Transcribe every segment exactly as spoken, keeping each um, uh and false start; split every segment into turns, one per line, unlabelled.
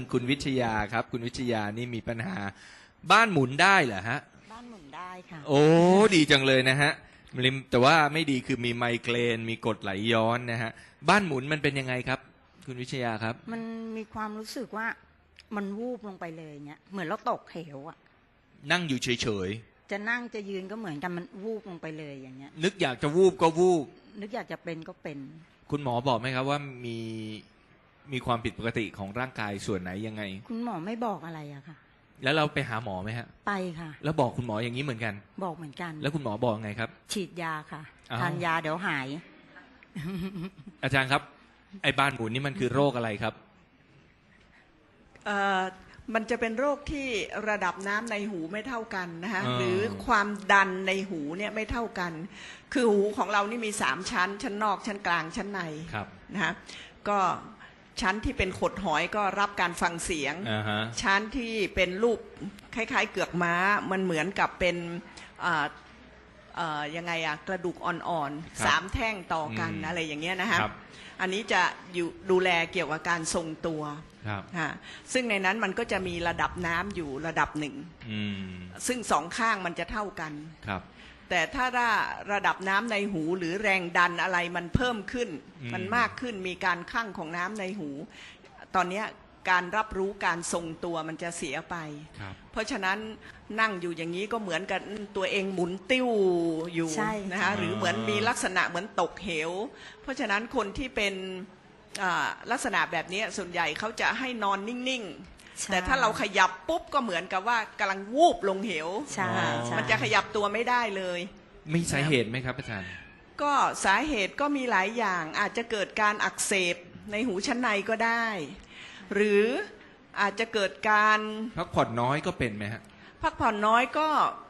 คุณวิชยาครับคุณวิชยานี่มีปัญหาบ้านหมุนได้เหรอฮะ
บ้านหมุนได้ค่ะ
โอ้ดีจังเลยนะฮะแต่ว่าไม่ดีคือมีไมเกรนมีกรดไหลย้อนนะฮะบ้านหมุนมันเป็นยังไงครับคุณวิชยาครับ
มันมีความรู้สึกว่ามันวูบลงไปเลยเนี่ยเหมือนเราตกเหวอะ
นั่งอยู่เฉย
ๆจะนั่งจะยืนก็เหมือนกันมันวูบลงไปเลยอย่างเงี้ย
นึกอยากจะวูบก็วูบ
นึกอยากจะเป็นก็เป็น
คุณหมอบอกไหมครับว่ามีมีความผิดปกติของร่างกายส่วนไหนยังไง
คุณหมอไม่บอกอะไรอะค่ะ
แล้วเราไปหาหมอไหมฮะ
ไปค่ะ
แล้วบอกคุณหมออย่างนี้เหมือนกัน
บอกเหมือนกัน
แล้วคุณหมอบอกไงครับ
ฉีดยาค่ะทานยาเดี๋ยวหาย
อาจารย์ครับไอ้บ้านหมุนนี่มันคือโรคอะไรครับ
เอ่อมันจะเป็นโรคที่ระดับน้ำในหูไม่เท่ากันนะคะหรือความดันในหูเนี่ยไม่เท่ากันคือหูของเรานี่มีสามชั้นชั้นนอกชั้นกลางชั้นในนะคะก็ชั้นที่เป็นขดหอยก็รับการฟังเสียง
uh-huh.
ชั้นที่เป็นรูปคล้ายๆเกือกม้ามันเหมือนกับเป็นยังไงอะกระดูกอ่อนๆสามแท่งต่อกันอะไรอย่างเงี้ยนะคะอันนี้จะอยู่ดูแลเกี่ยวกับการทรงตัวซึ่งในนั้นมันก็จะมีระดับน้ำอยู่ระดับหนึ่งซึ่งสองข้างมันจะเท่ากันแต่ถ้าระดับน้ำในหูหรือแรงดันอะไรมันเพิ่มขึ้นมันมากขึ้นมีการคั่งของน้ำในหูตอนนี้การรับรู้การทรงตัวมันจะเสียไปเพราะฉะนั้นนั่งอยู่อย่างนี้ก็เหมือนกับตัวเองหมุนติ้วอยู่นะคะหรือเหมือนมีลักษณะเหมือนตกเหวเพราะฉะนั้นคนที่เป็นลักษณะแบบนี้ส่วนใหญ่เขาจะให้นอนนิ่งๆแต่ถ้าเราขยับปุ๊บก็เหมือนกับว่ากำลังวูบลงเหวมันจะขยับตัวไม่ได้เลย
มีสาเหตุไหมครับอาจารย์
ก็สาเหตุก็มีหลายอย่างอาจจะเกิดการอักเสบในหูชั้นในก็ได้หรืออาจจะเกิดการ
พักผ่อนน้อยก็เป็นไหมฮะ
พักผ่อนน้อยก็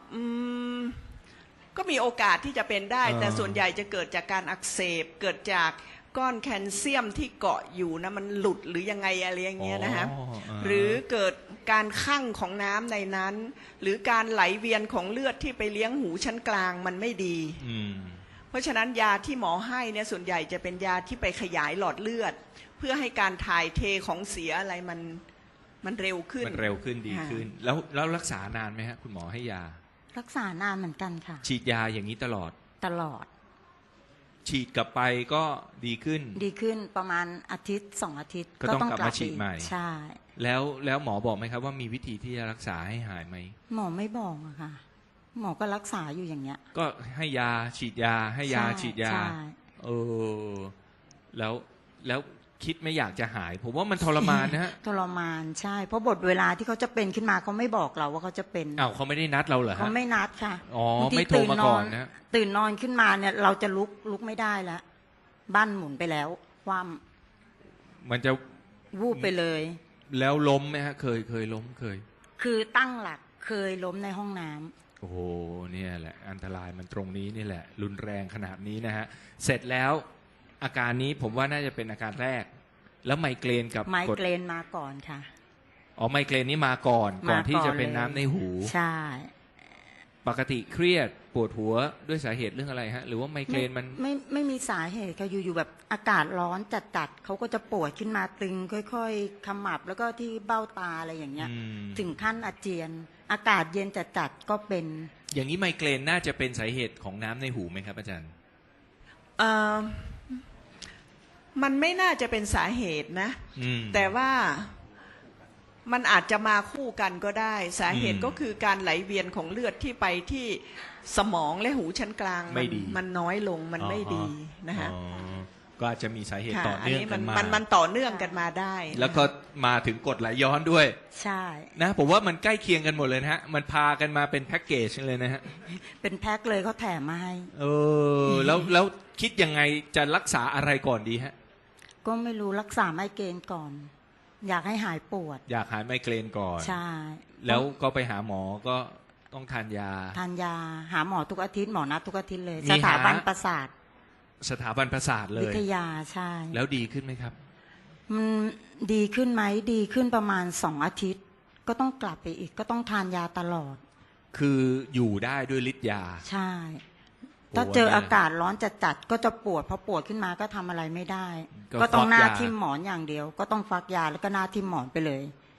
ก็มีโอกาสที่จะเป็นได้แต่ส่วนใหญ่จะเกิดจากการอักเสบเกิดจากก้อนแคลเซียมที่เกาะอยู่นะมันหลุดหรือยังไงอะไรอย่างเงี้ยนะฮะหรือเกิดการคั่งของน้ำในนั้นหรือการไหลเวียนของเลือดที่ไปเลี้ยงหูชั้นกลางมันไม่ดีเพราะฉะนั้นยาที่หมอให้เนี่ยส่วนใหญ่จะเป็นยาที่ไปขยายหลอดเลือดเพื่อให้การถ่ายเทของเสียอะไรมันมันเร็วขึ้น
มันเร็วขึ้นดีขึ้นแล้วแล้วรักษานานไหมฮะคุณหมอให้ยา
รักษานานเหมือนกันค่ะ
ฉีดยาอย่างนี้ตลอด
ตลอด
ฉีดกลับไปก็ดีขึ้น
ดีขึ้นประมาณอาทิตย์สองอาทิตย์
ก็ต้องกลับมาฉีดใหม่
ใช่
แล้วแล้วหมอบอกไหมครับว่ามีวิธีที่จะรักษาให้หายไหม
หมอไม่บอกอะค่ะหมอก็รักษาอยู่อย่างเงี้ย
ก็ให้ยาฉีดยาให้ยาฉีดยาเออแล้วแล้วคิดไม่อยากจะหายผมว่ามันทรมานนะฮะ
ทรมานใช่เพราะบทเวลาที่เขาจะเป็นขึ้นมาเขาไม่บอกเราว่าเขาจะเป็น
อ้าวเขาไม่ได้นัดเราเหรอฮะ
เขาไม่นัดค่ะ
อ๋อไม่โทรมาก่อนนะ
ตื่นนอนขึ้นมาเนี่ยเราจะลุกลุกไม่ได้แล้วบ้านหมุนไปแล้วความ
มันจะ
วูบไปเลย
แล้วล้มไหมฮะเคยเคยล้มเคย
คือตั้งหลักเคยล้มในห้องน้ำ
โอ้โหเนี่ยแหละอันตรายมันตรงนี้นี่แหละรุนแรงขนาดนี้นะฮะเสร็จแล้วอาการนี้ผมว่าน่าจะเป็นอาการแรกแล้วไมเกรนกับ
ไมเกรนมาก่อนค่ะ
อ๋อไมเกรนนี้มาก่อนก่อนที่จะเป็นน้ำในหู
ใช่
ปกติเครียดปวดหัวด้วยสาเหตุเรื่องอะไรฮะหรือว่าไมเกรนมัน
ไม่ไม่มีสาเหตุค่ะอยู่ๆแบบอากาศร้อนจัดๆเขาก็จะปวดขึ้นมาตึงค่อยๆขมับแล้วก็ที่เบ้าตาอะไรอย่างเงี้ยถึงขั้นอาเจียนอากาศเย็นจัดๆก็เป็น
อย่างนี้ไมเกรนน่าจะเป็นสาเหตุของน้ำในหูไหมครับอาจารย์
เอ่อมันไม่น่าจะเป็นสาเหตุนะแต่ว่ามันอาจจะมาคู่กันก็ได้สาเหตุก็คือการไหลเวียนของเลือดที่ไปที่สมองและหูชั้นกลางมันมันน้อยลงมันไม่ดีนะฮะ
ก็อาจจะมีสาเหตุต่อเนื่องกันมา
มันมันต่อเนื่องกันมาได้
แล้วก็มาถึงกรดไหลย้อนด้วย
ใช่
นะผมว่ามันใกล้เคียงกันหมดเลยนะฮะมันพากันมาเป็นแพ็กเกจเลยนะฮะ
เป็นแพ็คเลยเขาแถมมาให้
เออแล้วแล้วคิดยังไงจะรักษาอะไรก่อนดีฮะ
ก็ไม่รู้รักษาไมเกรนก่อนอยากให้หายปวด
อยากหายไมเกรนก่อน
ใช่
แล้วก็ไปหาหมอก็ต้องทานยา
ทานยาหาหมอทุกอาทิตย์หมอนัดทุกอาทิตย์เลยสถาบันประสาท
สถาบันประสาทเลย
วิทยาใช่
แล้วดีขึ้นไหมครับ
มันดีขึ้นไหมดีขึ้นประมาณสองอาทิตย์ก็ต้องกลับไปอีกก็ต้องทานยาตลอด
คืออยู่ได้ด้วยฤทธิ์ยา
ใช่ถ้าเจออากาศร้อนจัดๆก็จะปวดพอปวดขึ้นมาก็ทำอะไรไม่ได้ก็ต้องหน้าทิ่มหมอนอย่างเดียวก็ต้องฟักยาแล้วก็หน้าทิ่มหมอนไปเลย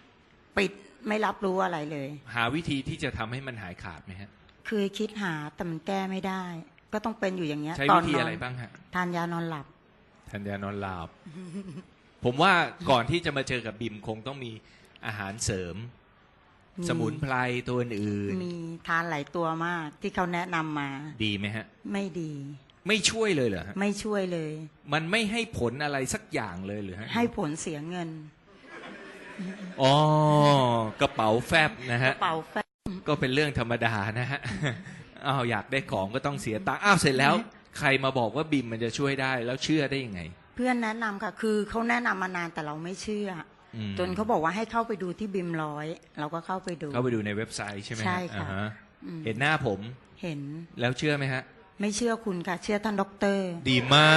ปิดไม่รับรู้อะไรเลย
หาวิธีที่จะทำให้มันหายขาดไหมฮะ
คือคิดหาแต่มันแก้ไม่ได้ ก็ต้องเป็นอยู่อย่างเงี้ย
ใช้
ตอ
วิ
น
ธี
นอ
อะไร
น
บ้างฮะ
ทานยานอนหลับ
ทานยานอนหลับ ผมว่าก่อนที่จะมาเจอกับบิมคงต้องมีอาหารเสริม
มี
สมุนไพรตัวอื่น
มีทานหลายตัวมากที่เขาแนะนำมา
ดีไหมฮะ
ไม่ดี
ไม่ช่วยเลยเหรอฮะ
ไม่ช่วยเลย
มันไม่ให้ผลอะไรสักอย่างเลยหรือฮะ
ให้ผลเสียเงิน
อ๋อกระเป๋าแฟบนะฮะ
เป่าแฟบ
ก็เป็นเรื่องธรรมดานะฮะ อ้าวอยากได้ของก็ต้องเสียตังค์อ้าวเสร็จแล้ว ใครมาบอกว่าบิมมันจะช่วยได้แล้วเชื่อได้ยังไง
เพื่อนแนะนำค่ะ คือเขาแนะนำมานานแต่เราไม่เชื่อ
อืม
จนเขาบอกว่าให้เข้าไปดูที่บิมร้อยเราก็เข้าไปดู
เข้าไปดูในเว็บไซต์ใช่ไหมฮ
ใช่ค่ะ
อ่าฮ
อืม
เห็นหน้าผม
เห็น
แล้วเชื่อไหมฮะ
ไม่เชื่อคุณค่ะ เชื่อท่านด็อกเตอร์
ดีมาก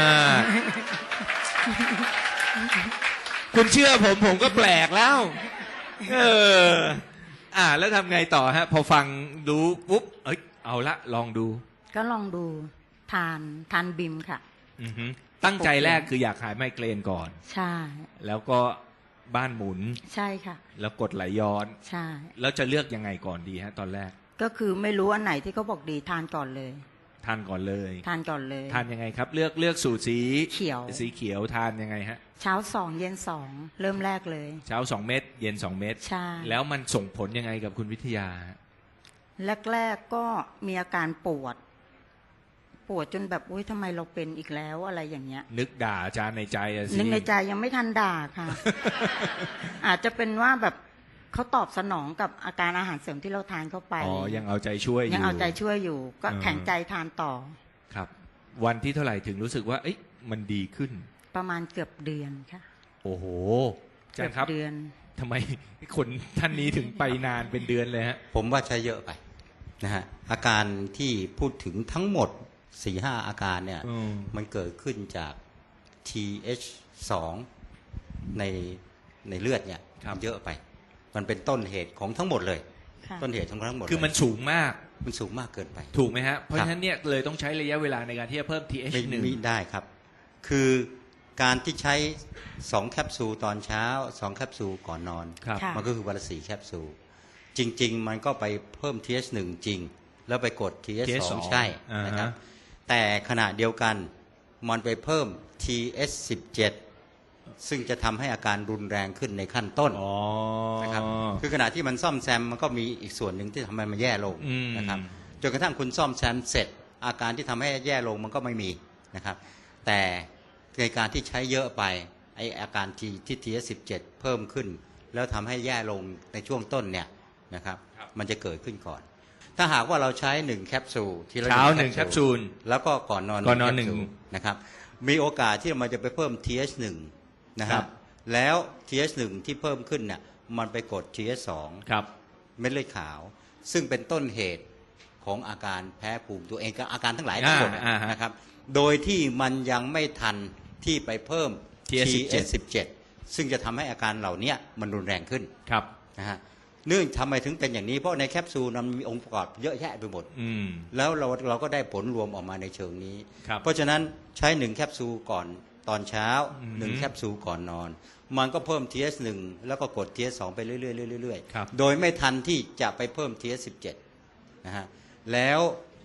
คุณเชื่อผมผมก็แปลกแล้ว เออ อ่า แล้วทำไงต่อฮะ พอฟังดูปุ๊บ เอ้ย เอาละลองดู
ก็ลองดูทานทานบิมค่ะ
อือฮึตั้งใจแรกคืออยากหายไมเกรนก่อน
ใช่
แล้วก็บ้านหมุน
ใช่ค่ะ
แล้วกดไหลย้อน
ใช่
แล้วจะเลือกยังไงก่อนดีฮะ ตอนแรก
ก็คือไม่รู้อันไหนที่เขาบอกดีทานก่อนเลย
ทานก่อนเลย
ทานก่อนเลย
ทานยังไงครับ เลือกเลือกสูตรสี
เขียว
สีเขียวทานยังไงฮะ
เช้าสองเย็นสองเริ่มแรกเลย
เช้าสองเม็ดเย็นสองเม็ด
ใช่
แล้วมันส่งผลยังไงกับคุณวิทยาฮะ
แรกๆก็มีอาการปวด ปวดจนแบบอุ้ยทำไมเราเป็นอีกแล้วอะไรอย่างเงี้ย
นึกด่าอาจารย์ในใจอะสิ
นึกในใจยังไม่ทันด่าค่ะ อาจจะเป็นว่าแบบเขาตอบสนองกับอาการอาหารเสริมที่เราทานเข้าไป
อ๋อ ยังเอาใจช่วยอยู่
ยังเอาใจช่วยอยู่ ก็
เออ
แข็งใจทานต่อ
ครับ วันที่เท่าไหร่ถึงรู้สึกว่า เอ๊ะมันดีขึ้น
ประมาณเกือบเดือนค่ะ
โอ้โหอาจารย์ค
เกื
รั
อบ เดือน
ทำไมคนท่านนี้ถึงไปนานเป็นเดือนเลยฮะ
ผมว่าใช้เยอะไปนะฮะอาการที่พูดถึงทั้งหมด สี่ห้า อาการเนี่ย
อืม
มันเกิดขึ้นจาก ที เอช สอง ในในเลือดเนี่ย
ครับ
มันเยอะไป มันเป็นต้นเหตุของทั้งหมดเลย
ค่ะ
ต้นเหตุของทั้งหมด
คือมัน
เลย
สูงมาก
มันสูงมากเกินไป
ถูกไหมฮะ เพราะฉะนั้นเนี่ยเลยต้องใช้ระยะเวลาในการที่จะเพิ่ม ที เอช
ไม่
หนึ่ง
ไม่ได้ครับ คือการที่ใช้สองแคปซูลตอนเช้าสองแคปซูลก่อนนอน
ครับ
ค่ะ
มันก็คือวันละสี่แคปซูล จริง ๆ มันก็ไปเพิ่ม ที เอช หนึ่ง จริง แล้วไปกด ที เอช สอง ใช่
อ่าฮะ
นะครับ แต่ขณะเดียวกันมันไปเพิ่ม ที เอช สิบเจ็ด ซึ่งจะทำให้อาการรุนแรงขึ้นในขั้นต้น
อ๋อ
นะครับ คือขณะที่มันซ่อมแซมมันก็มีอีกส่วนหนึ่งที่ทำให้มันแย่ลง
อืม
นะครับ จนกระทั่งคุณซ่อมแซมเสร็จ อาการที่ทำให้แย่ลงมันก็ไม่มีนะครับ แต่ในการที่ใช้เยอะไปไออาการที่ที่ ที เอช สิบเจ็ด เพิ่มขึ้น แล้วทำให้แย่ลงในช่วงต้นเนี่ยนะครับ มันจะเกิดขึ้นก่อน ถ้าหากว่าเราใช้หนึ่งแคปซูลทีละ
เช้าหนึ่งแคปซูล
แล้วก็ก่อนนอน
ก่อนนอนหนึ่ง
แคปซูลนะครับ มีโอกาสที่มันจะไปเพิ่ม ที เอช หนึ่ง นะค
ครั
รับ บ แล้ว ที เอช หนึ่ง ที่เพิ่มขึ้นเนี่ยมันไปกด ที เอช สอง
ครับ
เม็ดเลือดขาว ซึ่งเป็นต้นเหตุของอาการแพ้ภูมิตัวเองกับอาการทั้งหลายทั้งหมด
อ่าอ่าฮะ
นะครับ โดยที่มันยังไม่ทันที่ไปเพิ่ม
ที เอช
ที เอช สิบเจ็ด ซึ่งจะทำให้อาการเหล่านี้มันรุนแรงขึ้น
ครับ
นะฮะเนื่องทำไมถึงเป็นอย่างนี้เพราะในแคปซูลมันมีองค์ประกอบเยอะแยะไปหมด
อืม
แล้วเราเราก็ได้ผลรวมออกมาในเชิงนี้
ครับ
เพราะฉะนั้นใช้หนึ่งแคปซูลก่อนตอนเช้า
อืม
หนึ่งแคปซูลก่อนนอน มันก็เพิ่ม ที เอช หนึ่ง แล้วก็กด ที เอช สอง ไปเรื่อยๆเรื่อย
ครับ
ๆโดยไม่ทันที่จะไปเพิ่ม ที เอช สิบเจ็ด นะฮะแล้ว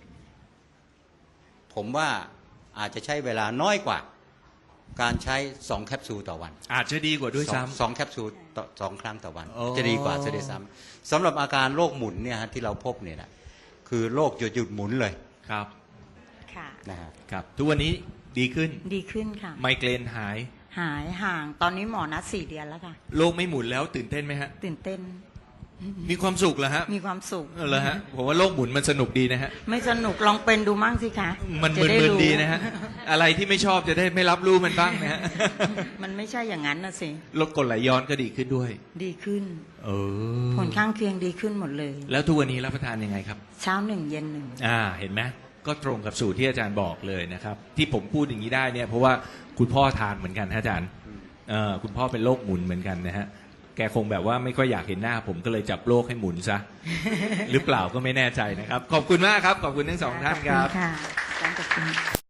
ผมว่าอาจจะใช้เวลาน้อยกว่า การใช้สองแคปซูลต่อวัน
อาจจะดีกว่าด้วย
สอง
ซ้ำ
สองแคปซูลต่อสองครั้งต่อวัน
อ๋อ
จะดีกว่าจะได้ซ้ำสำหรับอาการโรคหมุนเนี่ยฮะที่เราพบเนี่ยนะคือโรคหยุดหยุดหมุนเลย
ครับ
ค่ะ
นะฮะ
ครับ ทุกวันนี้ดีขึ้น
ดีขึ้นค่ะ
ไมเกรนหาย
หายห่าง ตอนนี้หมอนัดสี่เดือนแล้วค่ะ
โลกไม่หมุนแล้วตื่นเต้นไหมฮะ
ตื่นเต้น
มีความสุขเหรอฮะ
มีความสุข
เออเหรอฮะ ผมว่าโลกหมุนมันสนุกดีนะฮะ
ไม่สนุกลองเป็นดูมั่งสิคะ
มัน
จะได้
มึน
รู้
ๆดีนะฮะ อะไรที่ไม่ชอบจะได้ไม่รับรู้มันบ้างนะฮะ
มันไม่ใช่อย่างนั้นนะสิ
ลดกรดไหลย้อนก็ดีขึ้นด้วย
ดีขึ้น
เออ
ผลข้างเคียงดีขึ้นหมดเลย
แล้วทุกวันนี้รับประทานยังไงครับ
เช้าหนึ่งเย็นหนึ่ง
อ่า เห็นไหมก็ตรงกับสูตรที่อาจารย์บอกเลยนะครับ ที่ผมพูดอย่างนี้ได้เนี่ย เพราะว่าคุณพ่อทานเหมือนกันฮะอาจารย์เออคุณพ่อเป็นโรคหมุนเหมือนกันนะฮะ แกคงแบบว่าไม่ค่อยอยากเห็นหน้า ผมก็เลยจับโรคให้หมุนซะ หรือเปล่าก็ไม่แน่ใจนะครับ ขอบคุณมากครับ ขอบคุณทั้งสองท่านครับ
ขอณค่ะอาจารย์ขอบคุณ